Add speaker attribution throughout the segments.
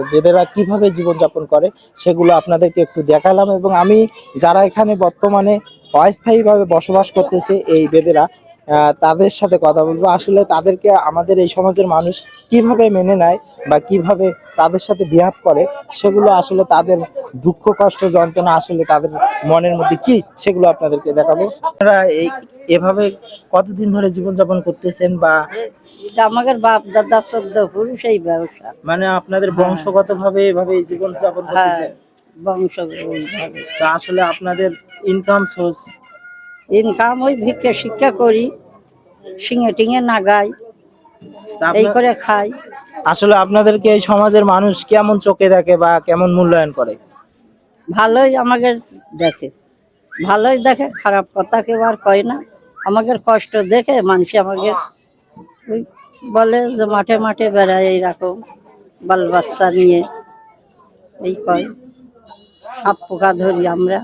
Speaker 1: বেদেরা কিভাবে জীবনযাপন করে সেগুলো আপনাদেরকে একটু দেখালাম। এবং আমি যারা এখানে বর্তমানে অস্থায়ীভাবে বসবাস করতেছে এই বেদেরা, তাদের সাথে কথা বলবো। আসলে তাদেরকে আমাদের এই সমাজের মানুষ কিভাবে মেনে নেয় বা কিভাবে তাদের সাথে বিহেভ করে, সেগুলো আসলে তাদের দুঃখ কষ্ট যন্ত্রণা আসলে তাদের মনের মধ্যে কি, সেগুলো আপনাদেরকে দেখাবো। আপনারা এভাবে কতদিন ধরে জীবনযাপন করতেছেন? বা
Speaker 2: এটা আমাদের বাপ দাদা 14 পুরুষ এই ব্যবসা,
Speaker 1: মানে আপনাদের বংশগত ভাবে এভাবে জীবন যাপন করতেছেন?
Speaker 2: বংশগতভাবে।
Speaker 1: তা আসলে আপনাদের ইনকাম সোর্স?
Speaker 2: ইনকাম ওই ভিক্ষা শিক্ষা করি, শিঙে টিঙে নাগাই, এই করে খাই।
Speaker 1: আসলে আপনাদেরকে এই সমাজের মানুষ কেমন চোখে দেখে বা কেমন মূল্যায়ন করে?
Speaker 2: ভালোই আমাদের দেখে, ভালোই দেখে, খারাপ কথা কেউ আর কয় না। আমাদের কষ্ট দেখে মানুষ আমাকে ওই বলে যে মাঠে মাঠে বেড়ায় এইরকম বাল বাচ্চা নিয়ে, এই কয় সাপ পোকা ধরি আমরা।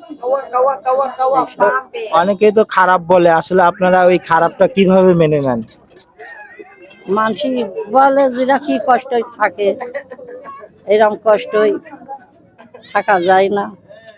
Speaker 1: অনেকেই তো খারাপ বলে, আসলে আপনারা ওই খারাপটা কিভাবে মেনে নেন?
Speaker 2: মানুষ বলে যেটা কি কষ্ট থাকে, এরকম কষ্টই থাকা যায় না।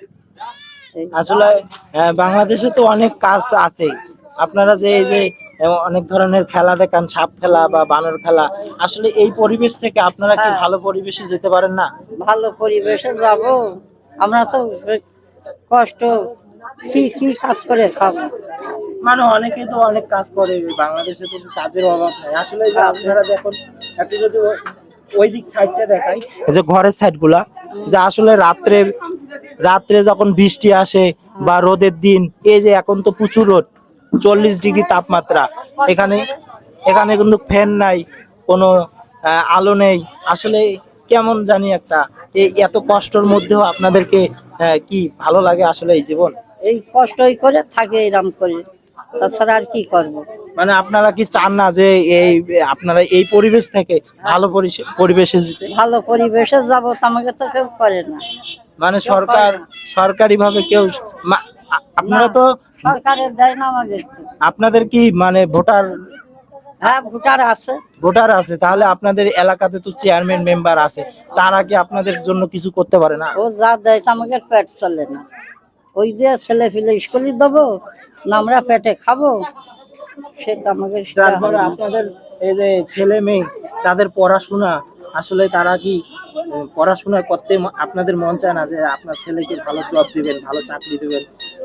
Speaker 1: আসলে বাংলাদেশে তো অনেক কাজ আছে। আপনারা যে এই যে অনেক ধরনের খেলা দেখান, সাপ খেলা বা বানর খেলা, আসলে এই পরিবেশ থেকে আপনারা কি ভালো পরিবেশে যেতে পারেন না?
Speaker 2: ভালো পরিবেশে যাব আমরা তো, কষ্ট কি কি কাজ করে খাবো।
Speaker 1: মানে অনেকে তো অনেক কাজ করে, বাংলাদেশে তো কাজের অভাব নাই। আসলে এই যে আপনারা দেখুন, একটু যদি ওই দিক সাইডটা দেখাই, এই যে ঘরের সাইড গুলা, যে আসলে রাত্রে রাত্রে যখন বৃষ্টি আসে বা রোদের দিন, এই যে এখন তো প্রচুর রোদ, 40 ডিগ্রি তাপমাত্রা, এখানে এখানে কিন্তু ফ্যান নাই, কোনো আলো নেই। আসলে কেমন জানি একটা, এই এত কষ্টের মধ্যেও আপনাদেরকে কি ভালো লাগে আসলে এই জীবন?
Speaker 2: এই কষ্টই করে থাকে এরম করে, তাছাড়া আর কি করব।
Speaker 1: মানে আপনারা কি চান না যে এই আপনারা এই পরিবেশ থেকে ভালো পরিবেশে যেতে?
Speaker 2: ভালো পরিবেশে যাব আমাকে তো কেউ করে না।
Speaker 1: মানে সরকারি ভাবে কেউ আপনারা তো
Speaker 2: সরকারের দেয় না আমাদের।
Speaker 1: আপনাদের কি মানে ভোটার?
Speaker 2: হ্যাঁ, ভোটার আছে।
Speaker 1: ভোটার আছে, তাহলে আপনাদের এলাকাতে তো চেয়ারম্যান মেম্বার আছে, তারা কি আপনাদের জন্য কিছু করতে পারে না?
Speaker 2: ও যা দেয় আমাকে পেট চলে না, ওই দিয়ে ছেলে ফেলে স্কুলে দেবো না আমরা পেটে খাবো, সে তো আমাকে।
Speaker 1: তারপরে আপনাদের এই যে ছেলে মেয়ে, তাদের পড়াশোনা, আসলে তারা কি পড়াশোনা করতে আপনাদের মন চায় না যে আপনার ছেলেকে ভালো জব দিবেন, ভালো চাকরি দিবেন?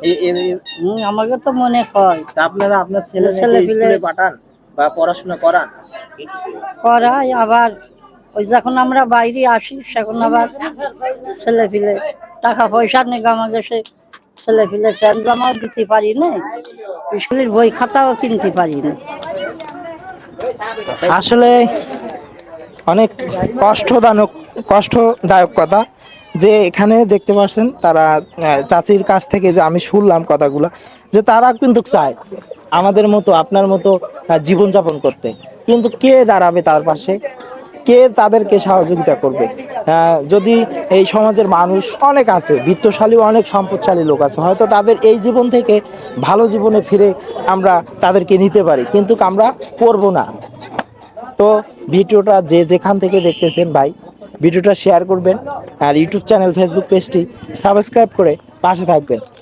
Speaker 2: আমাকে তো মনে হয়।
Speaker 1: আপনারা আপনার ছেলে স্কুলে পাঠান বা পড়াশোনা করান?
Speaker 2: করাই, আবার ওই যখন আমরা বাইরে আসি সেখন আবার ছেলে ফেলে টাকা পয়সা নেই আমাকে, সে ছেলে ফেলে প্যান্ট জামাও দিতে পারি না, স্কুলের বই খাতাও কিনতে পারি না।
Speaker 1: আসলে অনেক কষ্টদায়ক কথা। যে এখানে দেখতে পাচ্ছেন তারা চাচির কাছ থেকে যে আমি শুনলাম কথাগুলো, যে তারা কিন্তু চায় আমাদের মতো আপনার মতো জীবনযাপন করতে, কিন্তু কে দাঁড়াবে তার পাশে, কে তাদেরকে সহযোগিতা করবে? যদি এই সমাজের মানুষ অনেক আছে, বিত্তশালী অনেক সম্পদশালী লোক আছে, হয়তো তাদের এই জীবন থেকে ভালো জীবনে ফিরে আমরা তাদেরকে নিতে পারি, কিন্তু আমরা করব না। তো ভিডিওটা যে যেখান থেকে দেখতেছেন ভাই, ভিডিওটা শেয়ার করবেন, আর ইউটিউব চ্যানেল ফেসবুক পেজটি সাবস্ক্রাইব করে পাশে থাকবেন।